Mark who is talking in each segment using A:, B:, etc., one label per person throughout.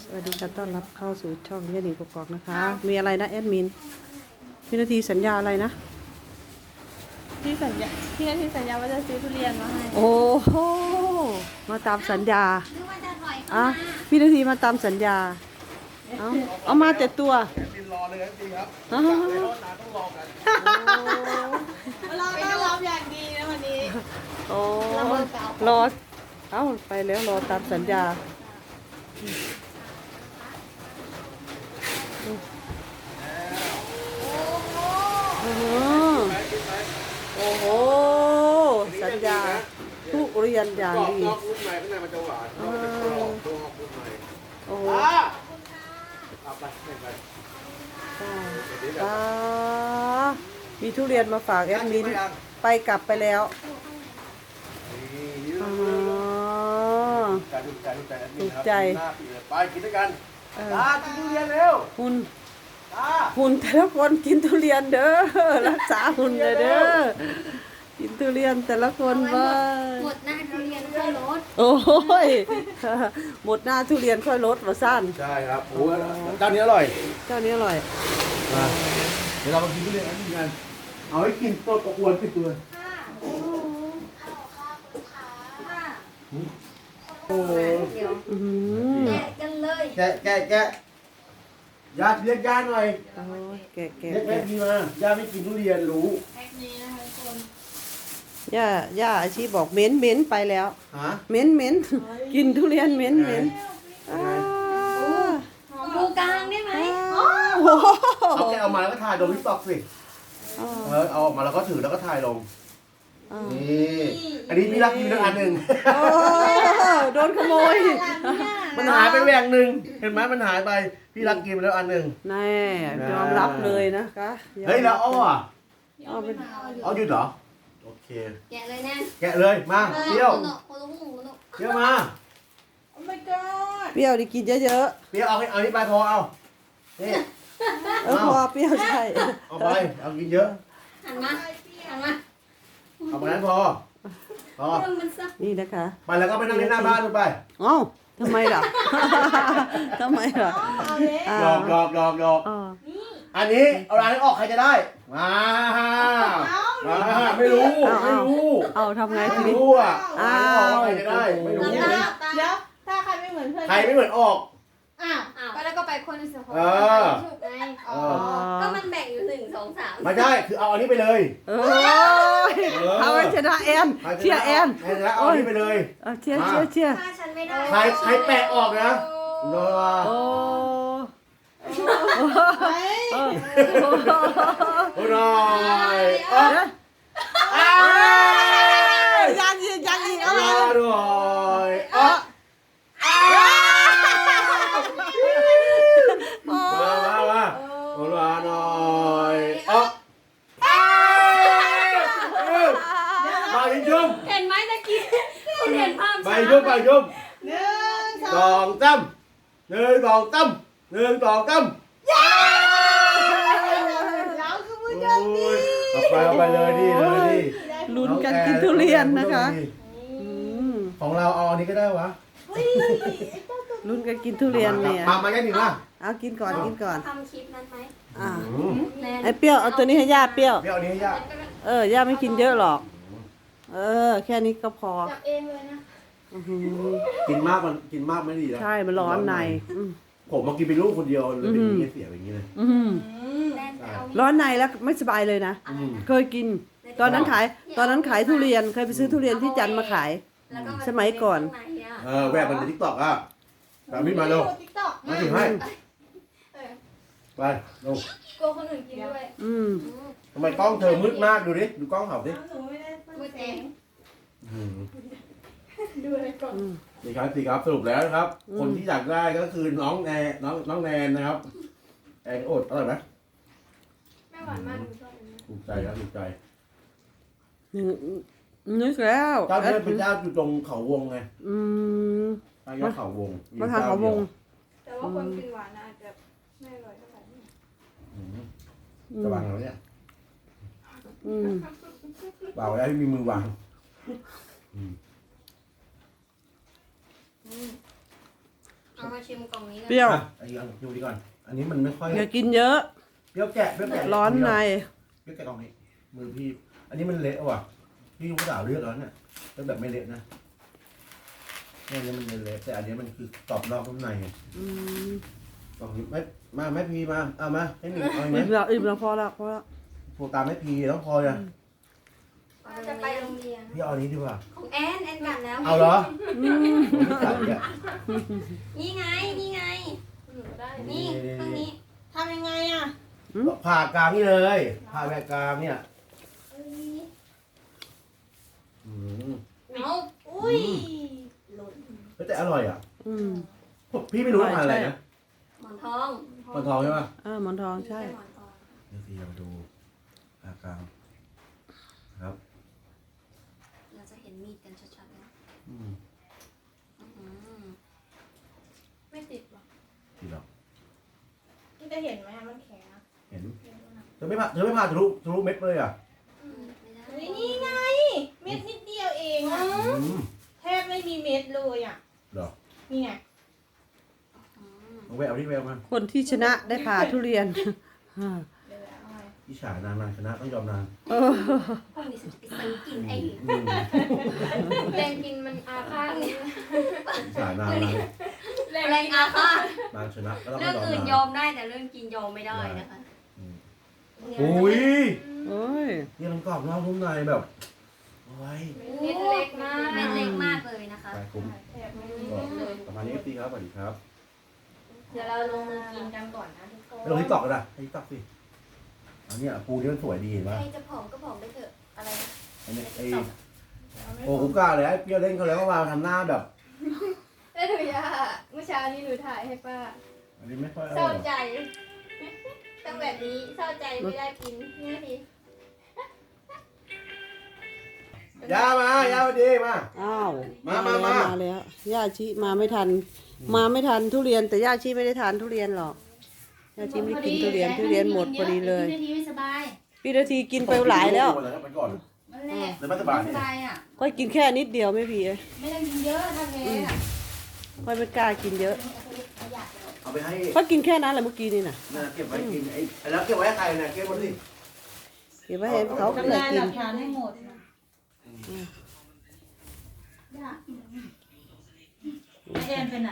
A: สวัสดีค่ะต้อนรับเข้าสู่ช่องยาหนิงกกอกนะคะ มีอะไรนะแอดมินพี่นาทีสัญญาอะไรนะ
B: พี่นาทีสัญญาว่าจะซื้อทุเรียนมาให้
A: โอ้โหมาตามสัญญาอ่ะพี่นาทีมาตามสัญญาเอามาแต่ตัว
C: บินรอเลยครับจริงครับ
A: อ้าว
C: ในรถนานต้องรอกัน
B: เราต้อนรับอย่างดีนะวันนี้
A: โอ้รอเอ้าไปแล้วรอตามสัญญาโอ้โหโอ้โหสัญญาทุเรียนอย่าง
C: กรอบ
A: ดี
C: นอกรุ่นในข้างในมันจะหวานนอกจะกรอบตัวนอกรุ่นใน
A: โอ้โห
C: เอาไปให้ไป
A: อ่ามีทุเรียนมาฝากแอดมินไปกลับไปแล้ว
C: นี่
A: อ๋อ
C: ถูกใจถูกใจแอดมิน
A: ถูก
C: ครับ
A: ใจ
C: หน้าปีเลยไปกินด้วยกัน
A: เออ
C: ตากินทุเรียนเร็ว
A: หุ่น
C: ตา
A: หุ่นแต่ละคนกินทุเรียนเด้อรักษาหุ่นเลยเด้อกินทุเรียนแต่ละคนว่า
D: หมดหน้าทุเรียนค่อยลด
A: โอ้ยหมดหน้าทุเรียนค่อยลดว่าสั้น
C: ใช่ครับโอ้ยเจ้านี้อร่อย
A: เจ้านี้อร่อย
C: มาเดี๋ยวเรามากินทุเรียนอันนี้กันเอาให้กินต้นกระอวนที่ตัวโอ้
D: เดี๋ยว
A: อือหือ
D: แยกกันเลย
C: แกะญาติเรียกญาติหน่อย
A: โอ้ยแกะแกะ
C: เรียกแม่
A: แกะ
C: พี่มาญาติไม่กินทุเรียนรู้
B: แพ็คนี้นะคะทุกคน
A: ย่าอาชีบอกเหม็นเหม็นไปแล้ว
C: ฮะ
A: เหม็นเหม็นกินทุเรียนเหม็นเหม็นอ่า
D: ปูกลางได้ไหม
A: โอ้โห
C: เอาแกะออกมาแล้วก็ถ่ายลงทิกตอกสิ
A: อ่า
C: เอาออกมาแล้วก็ถือแล้วก็ถ่ายลง
A: อ่า
C: นี่อันนี้พี่รักกินแล้วอันหนึ่ง
A: โอ้โดนขโมย
C: มันหายไปแหวงหนึ่งเห็นไหมมันหายไปพี่รักกินไปแล้วอันหนึ่ง
A: แน่ยอมรับเลยนะคะยอม
C: เฮ้ยแล้วอ้ออ่ะ
A: เอาเป็น
C: อ้อหยุดเหรอโอเค
D: แกะเลยนะ
C: แกะเลยมาเปรี้ยว
D: โคโนโคโน
C: เปรี้ยวมา
B: โอ้ my god
A: เปรี้ยวดิกินเยอะ
C: เปรี้ยวเอานี่ไปพอเอานี่
A: ๆพอเปรี้ยวใช่
C: เอาไปเอากินเยอะ
D: หันมาหันมา
C: เอาไปนั้นพอ
D: มันซัก
A: นี่นะคะ
C: ไปแล้วก็ไปนั่งเล่นหน้าบ้านดูไป
A: เอ้าทำไมล่ะ ทำไมล่ะ
B: เอาเลย
A: อ่า
C: หยอกหยอกหยอกหยอก
A: อ่า
C: อันนี้เอาร้านนี้ออกใครจะได้มาไม่รู้ไม่รู้
A: เอาทำไงที
C: ไม่
A: นี้
C: รู้อ่ะเอาร้านนี้ออกใครจะได้ไม่รู้
B: เดี๋ยวถ้าใครไม่เหมือนเพื่อน
C: ใครไม่เหมือนออก
B: อ้าว
D: อ้าวก็แล้วก็ไปคนที่สอง
C: เออ
D: ถูกไง
C: เอ
A: อ๋อ
C: อ
D: ก็มันแบ่งอยู่1 2 3
C: ไม่ใช่คือเอาอันนี้ไปเลย
A: เอ้ยเอาไปชนะแอนเชียร์แอน
C: แล้วเอาอันนี้ไปเลย
A: เอาเชียร์เชียร์เชียร์
D: ถ้าฉันไม่ได้
C: ใครแปะออกนะรอ
A: โอ้
B: เฮ้ย
C: รอยออก
A: ยังอีกยังอีกเอา
C: ร
A: เล
C: อย รอยออกมาหน่อยออกไปยุ่ม
D: เห็นไหมตะกี้คุณเห็นภาพ
C: ไปยุ่ม
B: หนึ่งส
C: ส
B: อง
C: องตั้มหนึ่งสองตั้มหนึ่งสองตั้ม
B: แล้วคือมือเดิมดี
C: เอาไปเลยดิเลยดิ
A: ลุ้นกันกินทุเรียนนะคะม
C: ของเราเอาอันนี้ก็ได้วะ
A: ลุ้นกันกินทุเรียนเนี่ย
C: มาแค่หนึ่งละ
A: เอากินก่อนกินก่อน
D: ทำคลิปนั้นไหม
A: อ่า
D: แนน
A: ไอ้เปรี้ยวเอาตัวนี้ให้ย่าเปรี้ยว
C: เดี๋ยวอันนี้ให้ย่า
A: ย่าไม่กินเยอะหรอก แค่นี้ก็พอ
D: จับเองเลยนะ
A: อื้อหือ
C: กินมากไม่ดีนะ
A: ใช่มันร้อนในอืม
C: ผมมากินเป็นลูกคนเดียวเลยเป็นอย่างนี้เสียอย่างนี้เลย
A: อืม
D: แนนจะเอา
A: ร้อนในแล้วไม่สบายเลยนะ เคยกิน ตอนนั้นขายทุเรียน เคยไปซื้อทุเรียนที่จันทร์มาขาย
D: แล้วก็า
A: สมัยก่อน
D: ข้างในอะ
C: แวะมันในทิกตอกอ่ะตามพี่มาเร็ว
B: ติ๊กต็อก
C: มาถึงให้ ไปเร็ว
D: กลัวคนอื่นกินด้วย
A: อืม
C: ทำไมกล้องเธอมืดมากดูดิ ดูกล้องเขาดิ
B: หนูไม่ได้
D: มือแดง
B: ดูอะไรก่อน
C: นี่ครับสิครับสรุปแล้วนะครับ คนที่อยากได้ก็คือน้องแนนนะครับ แอนโอดอร่อยไหม
D: แม่หวานมากหนูชอบอันนี้
C: ถูกใจครับถูกใจ
A: นึกแล้ว
C: เจ้าเนี่ยเป็นเจ้าอยู่ตรงเขาวงไง
A: อืม
C: ใต้ยอดเขาวง
A: มาทางเขาวง
B: แต่ว่าคนกินหวานอาจจะไม่อร่อยเท่าไหร่
C: จะวางแล้วเนี่ย
A: อืม
C: วางไว้ให้มีมือวาง
D: เอามาชิมกล่องนี้
A: เปรี้ยว
C: อ่ะอันนี้ดูดีก่อน อันนี้มันไม่ค่อย
A: อย่ากินเยอะ
C: เปรี้ยวแกะเปรี้ยวแกะ
A: ร้อนใน
C: เปรี้ยวแกะตรงนี้มือพี่ อันนี้มันเละว่ะพี่ลูกสาวเลือกแล้วเนี่ยเป็นแบบไม่เละนะเนี่ยอันนี้มันเละแต่อันนี้มันคือกรอบนอกข้างในไง
A: อืม
C: กล่องนี้ไม่แม่พีมาเอามาให้หนึ่งเอาไหม
A: อิ่มแล้วพอแล้วพอแล้ว
C: โทรตามแม่พีแล้วพออ่ะ
D: จะไปโรงเรียน
C: พี่เอาอันนี้ดีกว่า
D: ของแอนกัดแล้ว
C: เอาเหรอ
A: อืม
C: ผมไม่ใส่อ่ะ
D: นี่ไงนี่ตรงนี้
B: ทำยังไงอ่ะ
C: ผ่ากลางนี่เลยผ่าแบบกลางเนี่ยอืม
D: เอา
B: อุ้ย
D: หล่น
C: แต่อร่อยอ่ะ
A: อืม
C: พี่ไม่รู้ว่าทานอะไรนะ
D: หมอนทอง
C: มันทองใช่ป่ะ
A: หมอนทองใช่
D: หมอนทอง
C: เดี๋ยวพี่เราดูผ่ากลางครับ
D: เราจะเห็นมีดกันชัดๆนะ
C: อืม
B: ไม่ติดหรอ
C: ดีหรอก
B: นี่จะเห็นไหมมันแข็งอะ
C: เห็นเธอไม่ผ่าทะลุเม็ดเลยอ่ะ
B: เฮ้ยนี่ไง เม็ดนิดเดียวเองอะ
C: อืม
B: แทบไม่มีเม็ดเลยอ่ะ
C: เหรอ
B: นี่ไง
C: เอาแววที่แววมา
A: คนที่ชนะได้ผ่าทุเรียน
B: เดี๋ยวเอาไว้
C: พี่ฉานานชนะต้องยอมนาน
A: เออ
D: พวกนี้ฉันจะไปซื้อกินเอง
C: อืม
D: แรงกินมันอาฆาตนี่
C: พี่ฉานาน
D: แรงอาฆาต
C: นานชนะก็ต้อง
D: เรื่อง
C: ยอม
D: อื่น
C: นาน
D: ยอมได้แต่เรื่องกินยอมไม่ได้นะคะ
C: อุ้ย
A: โอ้ย
C: นี่มันกรอบนอกนุ่มในแบบโอ้ย
D: เม็ดเล็กมากเม็ดเล็กมากเลยนะคะ
C: ไปคุ้ม
B: แทบไม่มี
C: ก็
B: เม็ดเลย
C: ประมาณนี้พี่ครับสวัสดีครับ
B: เดี๋ยวเราลงมือกินกันก่อนนะทุกคน
C: ไปลงที่ตอกกันนะที่ตอกสิอันนี้ปูนี่มันสวยดีเห็นป่ะ
D: ใครจะผอมก็ผอมไปเถอะอะไรนะ
C: อันนี้ไอ้โอ้คุ้มกล้าเลยไอ้เปรี้ยวเล่นเขาแล้วก็มาทำหน้าแบบ
D: ได้หนูย่าเมื่อเช้านี้หนูถ่ายให้ป้า
C: อันนี้ไม่ค่อยอ
D: เศ
C: ร่
D: ร้า
C: อย
D: ใจต้องแบบนี้เศร้าใจไม่ได้กินนี่ที
C: ย่ามาย่ามาดีมา
A: อ้าว
C: มา
A: แล้วย่าชิมาไม่ทัน มาไม่ทันทุเรียน แต่ย่าชิไม่ได้ทานทุเรียนหรอกย่าชิไม่ได้กินทุเรียนหมดพอดีเลย
E: นาทีไม่สบาย
A: พี่นาทีกินไปหลายแล้ว
C: ไปก่อน
E: มันแหละ
C: เดี๋ยวไม่สบาย
E: ไม่สบายอ่ะ
A: ก็กินแค่นิดเดียวไม่พี่เอ้ย
E: ไม่ต้องกินเยอะถ้าแพ้อ่ะ
A: ค่อยไม่กล้ากินเยอะ
C: เอาไปให้
A: ก็กินแค่นั้นแหละเมื่อกี้นี่น่ะ
C: เก็บไว้กินไอ้แล้วเก็บไว้ให้ใครเนี่ยเก็บไว้สิ
A: เก็บไว้ให้เขา
B: ทำ
A: เพื่อ
B: ลาย
A: กิ
B: ห
A: น
B: ลักฐานให้หมด
E: แอนไปไหน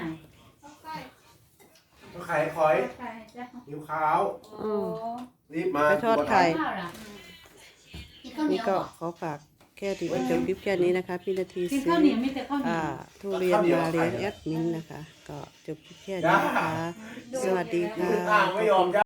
C: ต้องไข่คอย
E: ใครจะ
C: หิวขาว
A: อืม
C: รีบมา
A: ไปทอดไข่
E: ข้าวล่ะกินข้าวเหนี
A: นี่
E: ยว
A: ก็ขอฝากแค่ติดจบคลิปแค่นี้นะคะ พี่นาที
E: กิน
A: ซื้
E: ข้าว
A: อ
E: เหนียวมีแต่ข้าวเหนียว
A: ทุเรียนมาเลี้ยงแอดมินนะคะ ก็จบคลิปแค่นี้นะคะ สวัสดีค่ะ
C: ไม่ยอม